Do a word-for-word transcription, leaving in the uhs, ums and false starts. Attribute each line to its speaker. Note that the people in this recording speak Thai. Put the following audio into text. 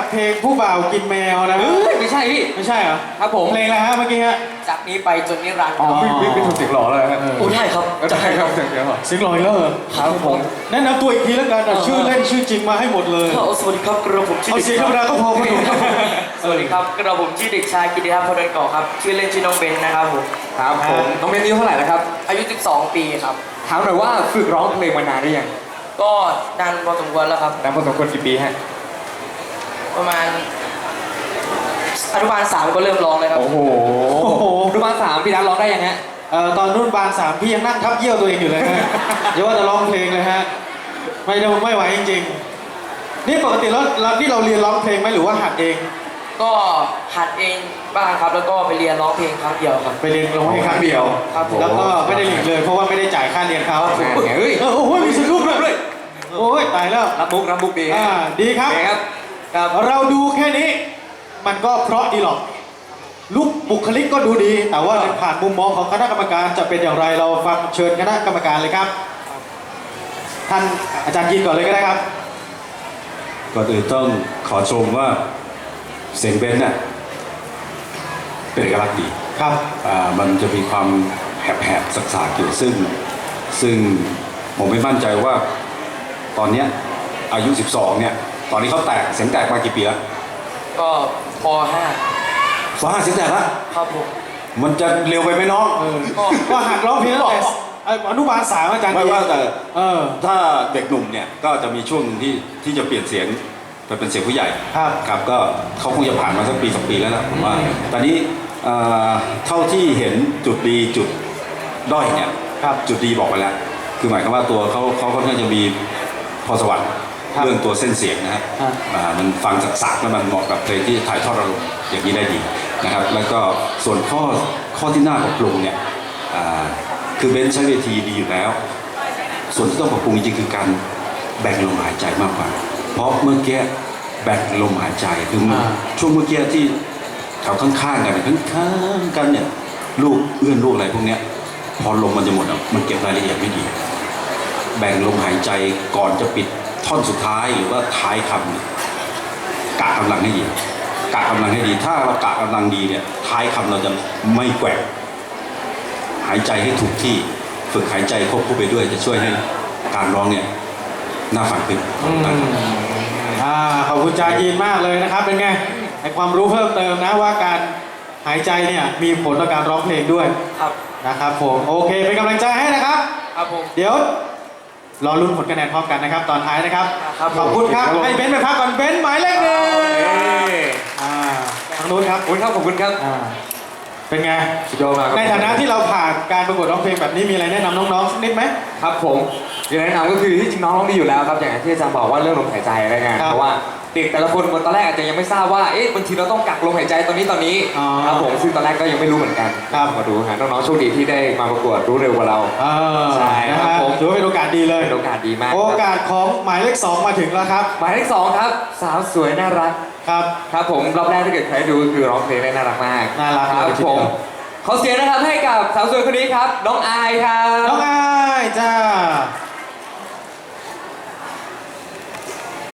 Speaker 1: เพลงผู้บ่าวกินแมวนะ
Speaker 2: เฮ้ยไม่ใช่พี่
Speaker 1: ไม่ใช่เหรอ
Speaker 2: ครับผม
Speaker 1: เพลงอะไรฮะเมื่อกี้ฮะ
Speaker 3: จากนี้ไปจนนิรันดร์
Speaker 2: อ๋อพี่พี่พี่ทำเสียงหล่อเลยฮะ
Speaker 3: โอ้ใช่ครับ
Speaker 2: ใช่ครับเสียงเสียงหล่อ
Speaker 1: เสียงหล่ออีกแล้วเหรอ
Speaker 2: ครับผม
Speaker 1: แนะนำตัวอีกทีแล้วกันเอาชื่อเล่นชื่อจริงมาให้หมดเลย
Speaker 3: สวัสดีครับกระผมชื่อ
Speaker 1: เอาเสียงธรรมดาก็พอคุณหนุ่มครับ
Speaker 3: สวัสดีครับกระผมชื่อเด็กชายกิติทัศน์พลเดินก่อครับชื่อเล่นชื่อน้องเบนนะครับผม
Speaker 2: ครับผมน้องเบนอายุเท่าไหร่แล้วครับ
Speaker 3: อายุสิบสองปีครับ
Speaker 2: ถามหน่อยว่าฝึกร้องเพลงมานานหรือยัง
Speaker 3: ก็นานพอสมควรแล้วครับ
Speaker 2: นานพอสมควรกี่ปีฮะ
Speaker 3: ประมาณอนุบาลสามก็เริ่มร้องเลยครับ
Speaker 2: โอ้โหอนุบาลสามพี่ดันร้องได้ยังฮะ
Speaker 1: เอ่อตอนรุ่นบานสามพี่ยังนั่งทับเยี่ยวตัวเองอยู่เลยฮะ อย่าว่าจะร้องเพลงเลยฮะไม่ได้ไม่ไหวจริงๆนี่ปกติแล้วเราที่เราเรียนร้องเพลงไหมหรือว่าหัดเอง
Speaker 3: ก็หัดเองบ้างครับ แล้วก็ไปเรียนร้องเพลงครั้งเดียวครับ
Speaker 1: ไปเรียนร้องเพลงครั้งเดียว
Speaker 3: ครับผม
Speaker 1: แล้วก็ไม่ได้เรียนเลยเพราะว่าไม่ได้จ่ายค่าเรียนเขา
Speaker 2: แหมเฮ้ย
Speaker 1: เออโอ้โหมีสนุกด้วยโอ้ยตายแล้ว
Speaker 2: รับมุกรับมุกดี
Speaker 1: อ่าดีครับ
Speaker 2: โอเคครับ
Speaker 1: ครับเราดูแค่นี้ มันก็เพราะดีหรอกลุกบุคลิกก็ดูดี แต่ว่าผ่านมุมมองของคณะกรรมการจะเป็นอย่างไรเราฟังเชิญคณะกรรมการเลยครับ ท่านอาจารย์ยินก่อนเลยก็ได้ครับ
Speaker 4: ก่อนอื่นต้องขอชมว่าเสียงเบนซ์น่ะเป็นเอกลักษณ์ดี
Speaker 1: ครับ
Speaker 4: อ่ามันจะมีความแหบๆสักๆอยู่ซึ่งซึ่งผมไม่มั่นใจว่าตอนเนี้ยอายุ สิบสอง เนี่ยตอนนี้เขาแตกเสียงแตกมากี่ปีแล้ว
Speaker 3: ก็ป ห้า
Speaker 4: สองห้าเสียงแตกแล้ว
Speaker 3: ครับผม
Speaker 4: มันจะเร็วไปไหมน้อง
Speaker 1: เออก็ก็หัดร้องเพลงตั้งแต่เอ่ออนุบาลสามอาจารย์
Speaker 4: ไม่ว่าแต่
Speaker 1: เออ
Speaker 4: ถ้าเด็กหนุ่มเนี่ยก็จะมีช่วงหนึ่งที่ที่จะเปลี่ยนเสียงไปเป็นเสียงผู้ใหญ่
Speaker 1: ครับ
Speaker 4: ครับก็เขาคงจะผ่านมาสักปีสองปีแล้วนะผมว่าตอนนี้เอ่อเท่าที่เห็นจุดดีจุดด้อยเนี่ย
Speaker 1: ครับ
Speaker 4: จุดดีบอกไปแล้ว คือหมายความว่าตัวเขาเขาค่อนข้างจะมีพรสวรรค์
Speaker 1: ครับ
Speaker 4: เรื่องตัวเส้นเสียงนะฮะ
Speaker 1: ครับ
Speaker 4: อ่ามันฟังสักๆแล้วมันเหมาะกับเพลงที่ถ่ายทอดอารมณ์อย่างนี้ได้ดีนะครับ แล้วก็ส่วนข้อข้อที่น่าปรับปรุงเนี่ยอ่าคือเบนซ์ใช้เวทีดีอยู่แล้ว ส่วนที่ต้องปรับปรุงจริงๆคือการแบ่งลมหายใจมากกว่า เพราะเมื่อกี้แบ่งลมหายใจคืออา ช่วงเมื่อกี้ที่แถวข้างๆกันเนี่ยข้างๆกันเนี่ยลูกเอื้อนลูกอะไรพวกเนี้ยพอลมมันจะหมดอ่ะมันเก็บรายละเอียดไม่ดี แบ่งลมหายใจก่อนจะปิดท่อนสุดท้ายหรือว่าท้ายคำเนี่ยกะกำลังให้ดีกะกำลังให้ดี ถ้าเรากะกำลังดีเนี่ยท้ายคำเราจะไม่แกว่งหายใจให้ถูกที่ฝึกหายใจควบคู่ไปด้วยจะช่วยให้การร้องเนี่ยน่าฟังขึ้น
Speaker 1: อืมอ่าขอบคุณอาจารย์ยินมากเลยนะครับ เป็นไงให้ความรู้เพิ่มเติมนะว่าการหายใจเนี่ยมีผลต่อการร้องเพลงด้วย
Speaker 3: ครับ
Speaker 1: นะครับผมโอเคเป็นกำลังใจให้นะครับ
Speaker 3: ครับผม
Speaker 1: เดี๋ยวรอลุ้นผลคะแนนพร้อมกันนะครับ ตอนท้ายนะครับ
Speaker 3: ครับ
Speaker 1: ขอบคุณครับ
Speaker 2: ครับผม
Speaker 1: ให้เบนซ์ไปพักก่อนเบนซ์หมายเลขหนึ่งอ่าทางนู้นครับ
Speaker 2: ขอบคุณครับขอบคุณครับ
Speaker 1: อ่าเป็นไง
Speaker 2: สุดยอดมากครับ
Speaker 1: ในฐานะที่เราผ่านการประกวดร้องเพลงแบบนี้มีอะไรแนะนำน้องๆสักนิดไหม
Speaker 2: ครับผมอย่างแนะนำก็คือที่จริงน้องร้องดีอยู่แล้วครับอย่างที่อาจารย์บอกว่าเรื่องลมหายใจอะไรเงี้ย
Speaker 1: ครับ
Speaker 2: เพราะว่าเด็กแต่ละคนตอนแรกอาจจะยังไม่ทราบว่าเอ๊ะบางทีเราต้องกักลมหายใจตอนนี้ตอนนี้
Speaker 1: อ๋อ
Speaker 2: ครับผมซึ่งตอนแรกก็ยังไม่รู้เหมือนกัน
Speaker 1: ครับ
Speaker 2: มาดูฮะน้องๆโชคดีที่ได้มาประกวดรู้เร็วกว่าเรา
Speaker 1: เออ
Speaker 2: ใช่
Speaker 1: นะครับ ฮะ
Speaker 2: ผม
Speaker 1: ถือว่าเป็นโอกาสดีเลย
Speaker 2: เป็นโอกาสดีมาก
Speaker 1: โอกาสของหมายเลขสองมาถึงแล้วครับ
Speaker 2: หมายเลขสองครับสาวสวยน่ารัก
Speaker 1: ครับ
Speaker 2: ครับผมรอบแรกถ้าเกิดใครดูก็คือร้องเพลงได้น่ารักมาก
Speaker 1: น่ารัก
Speaker 2: ครับ
Speaker 1: เลยที
Speaker 2: ผ
Speaker 1: เดี
Speaker 2: ม
Speaker 1: ยว
Speaker 2: ขอเสียงนะครับให้กับสาวสวยคนนี้ครับน้องอายครับ
Speaker 1: น้องอายจ้า